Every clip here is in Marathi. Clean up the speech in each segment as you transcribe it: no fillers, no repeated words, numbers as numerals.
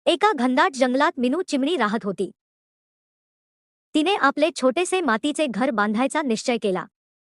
एका घनदाट जंगलात मिनू चिमणी राहत होती. तिने आपले छोटेसे मातीचे घर बांधायचा निश्चय केला.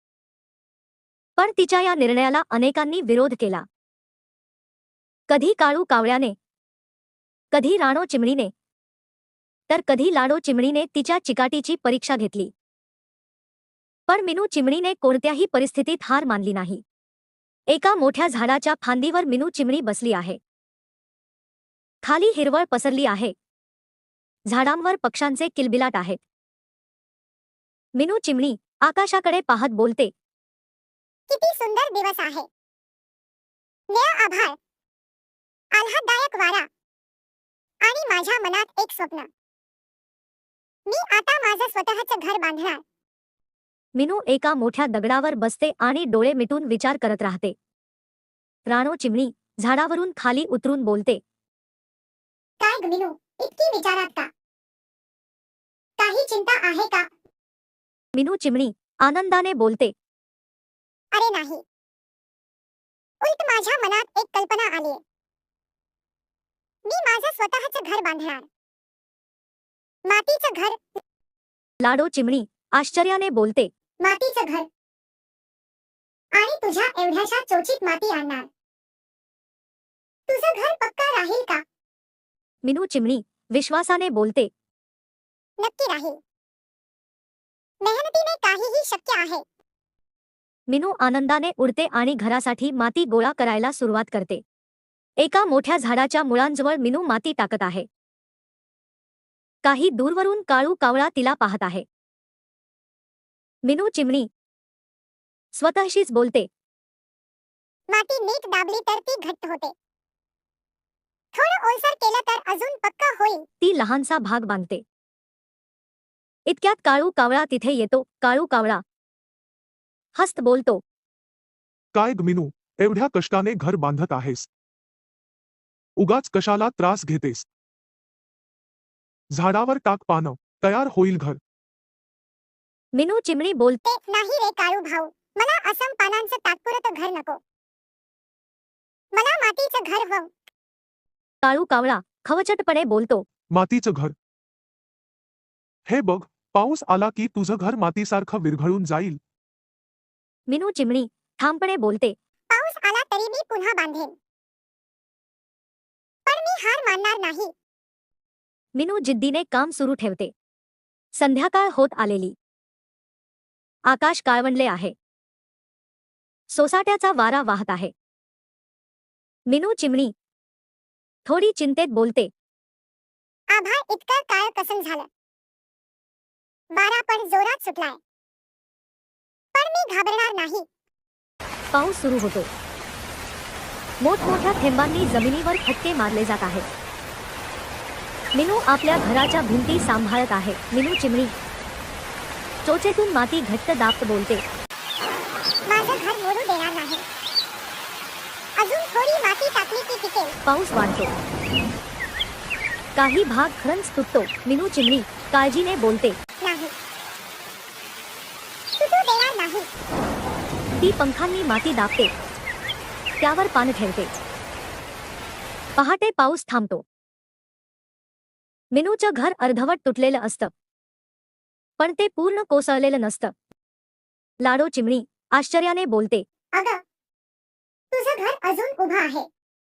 पण तिच्या या निर्णयाला अनेकांनी विरोध केला. कधी काळू कावळ्याने, कधी राणो चिमणीने, तर कधी लाडो चिमणीने तिच्या चिकाटीची परीक्षा घेतली. पण मिनू चिमणीने कोणत्याही परिस्थितीत हार मानली नाही. एका मोठ्या झाडाच्या फांदीवर मिनू चिमणी बसली आहे. खाली हिरवळ पसरली आहे. झाडांवर पक्ष्यांचे किलबिलाट आहेत. मिनू चिमणी आकाशाकडे पाहत बोलते, किती सुंदर दिवस आहे. निळं आभाळ, आल्हाददायक वारा आणि माझ्या मनात एक स्वप्न. मी आता माझं स्वतःचं घर बांधणार. मिनू एका मोठ्या दगडावर बसते आणि डोळे मिटून विचार करत राहते. राणो चिमणी झाडावरून खाली उतरून बोलते, काय ग मिनू, इतकी विचारात का? काही चिंता आहे का? मिनू चिमणी आनंदाने बोलते, अरे नाही, उलट माझ्या मनात एक कल्पना आलीये. मी माझं स्वतःचं घर बांधणार. मातीचं घर. लाडो चिमणी आश्चर्याने बोलते, मातीचं घर. आणि तुझ्या एवढ्याशा चोचीत माती आणणार. तुझं घर पक्का राहील का? मिनू चिमणी विश्वासाने बोलते, नक्की राहील. मेहनतीने काहीही शक्य आहे. मिनू आनंदाने उडते आणि घरासाठी माती गोळा करायला सुरुवात करते. एका मोठ्या झाडाच्या मुळांजवळ मिनू माती टाकत आहे. काही दूरवरून काळू कावळा तिला पाहत आहे. मिनू चिमणी स्वतःशीच बोलते, माती नीट दाबली तर ती घट्ट होते. थोडं ओलसर केलं तर अजून पक्का होईल. ती लहानसा भाग बांधते. इतक्यात काळू कावळा तिथे येतो. काळू कावळा हस्त बोलतो, काय ग मिनू, एवढ्या कष्टाने घर बांधत आहेस? उगाच कशाला त्रास घेतेस? झाडावर टाक पानं, तयार होईल घर. मिनू चिमणी बोलते, ते नाही रे काळू भाऊ, मला असम पानांचं तात्पुरतं घर नको. मला मातीचं घर हवं. काळू कावळा खवचटपणे बोलतो, मातीचं घर? हे बघ, पाऊस आला की तुझं घर मातीसारखं विरघळून जाईल. मिनू चिमणी ठामपणे बोलते, पाऊस आला तरी मी पुन्हा बांधेन. पण मी हार मानणार नाही. मिनू जिद्दीने काम सुरू ठेवते. संध्याकाळ होत आलेली. आकाश काळवंडले आहे. सोसाट्याचा वारा वाहत आहे. मिनू चिमणी थोडी चिंतेत बोलते, आभाळ इतकं काळ कसं झालं. वारा पण जोरात सुटलाय. पण मी घाबरणार नाही. पाऊस सुरू होतो. मोठमोठ्या थेंबांनी जमिनीवर फटके मारले जात आहेत. मिनू आपल्या घराच्या भिंती सांभाळत आहे. मिनू चिमणी चोचेतून माती घट्ट दाबत बोलते, माझं घर मोडू देणार नाही. अजून थोडी माती टाकली की टिकेल. पाऊस वाढतो. काही भाग खरंच तुटतो. मिनू चिमणी काळजीने बोलते, नाही, तुटू देणार नाही. ती पंखांनी माती दाबते. त्यावर पान ठेवते. पहाटे पाऊस थांबतो. मिनूचं घर अर्धवट तुटलेलं असतं. पण ते पूर्ण कोसळलेलं नसतं. लाडो चिमणी आश्चर्याने बोलते, अगं, तुझं घर अजून उभं आहे.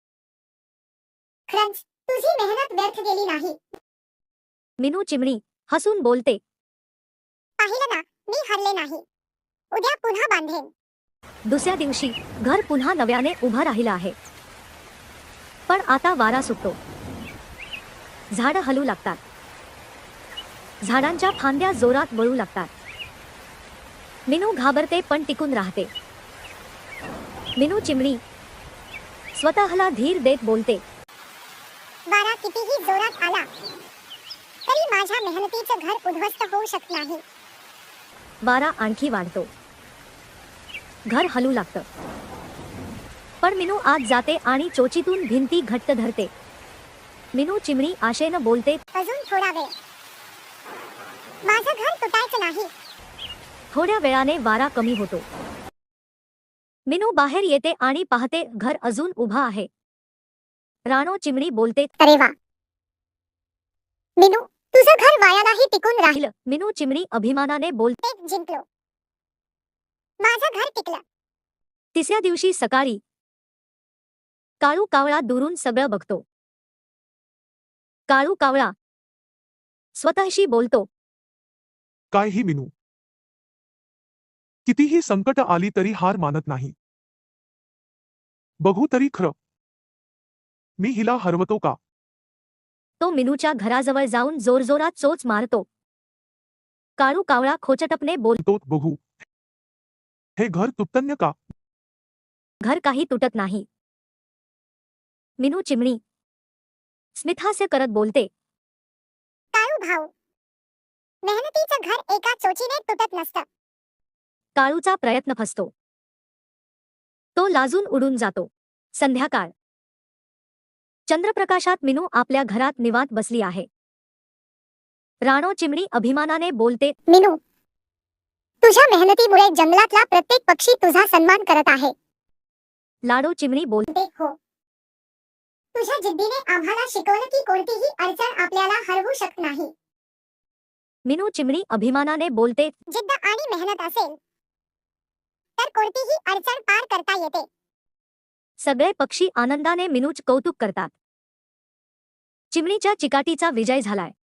खरंच तुझी मेहनत व्यर्थ गेली नाही. मिनू चिमणी हसून बोलते, पाहिलं ना, मी हरले नाही. उद्या पुन्हा बांधेन. दुसऱ्या दिवशी घर पुन्हा नव्याने उभं राहिलं आहे. पण आता वारा सुटतो. झाडं हलू लागतात. झाडांच्या फांद्या जोरात वळू लागतात. मिनू घाबरते पण टिकून राहते. मिनू चिमणी स्वतःला धीर देत बोलते, वारा कितीही जोरात आला तरी माझ्या मेहनतीचं घर उद्ध्वस्त होऊ शकत नाही. वारा आणखी वाढतो. घर हलू लागतं. पण मिनू आत जाते आणि चोचीतून भिंती घट्ट धरते. मिनू चिमणी आशेनं बोलते, अजून थोडा वेळ. माझं घर तुटायचं नाही. थोड्या वेळाने वारा कमी होतो. मिनू बाहेर येते आणि पाहते घर अजून उभा आहे. राणो चिमणी बोलते, अरे वा, मिनू, तुझं घर वाया नाही टिकून राहिलं. राहिलं. मिनू चिमणी अभिमानाने बोलते. एक जिंकलो. माझं घर टिकलं. तिसऱ्या दिवशी सकाळी काळू कावळा दुरून सगळं बघतो. काळू कावळा स्वतःशी बोलतो. काय ही मिनू कितीही संकट आली तरी हार मानत नाही. बघू तरी खरं मी हिला हरवतो का. तो मिनूच्या घराजवळ जाऊन जोरजोरात चोच मारतो. काळू कावळा खोचटपणे बोल. तो बघू हे घर तुटतन्य का. घर काही तुटत नाही. मिनू चिमणी स्मितहास्य करत बोलते. काळू भाऊ, मेहनतीचं घर एका चोचीने तुटत नसतं. काळूचा प्रयत्न फसतो. तो लाजून उडून जातो. संध्याकाळ. चंद्रप्रकाशात मिनू आपल्या घरात निवांत बसली आहे. राणो चिमणी अभिमानाने बोलते. मिनू, तुझ्या मेहनतीमुळे जंगलातला प्रत्येक पक्षी तुझा सन्मान करत आहे. लाडो चिमणी बोल. हो, तुझ्या जिद्दीने आम्हाला शिकवलं की कोणतीही अडचण आपल्याला हरवू शकत नाही. मिनू चिमणी अभिमानाने बोलते. जिद्द आणि मेहनत असेल तर कोणतीही अडचण पार करता येते. सगळे पक्षी आनंदाने मिनूच कौतुक करतात. चिमणीच्या चिकाटीचा विजय झालाय.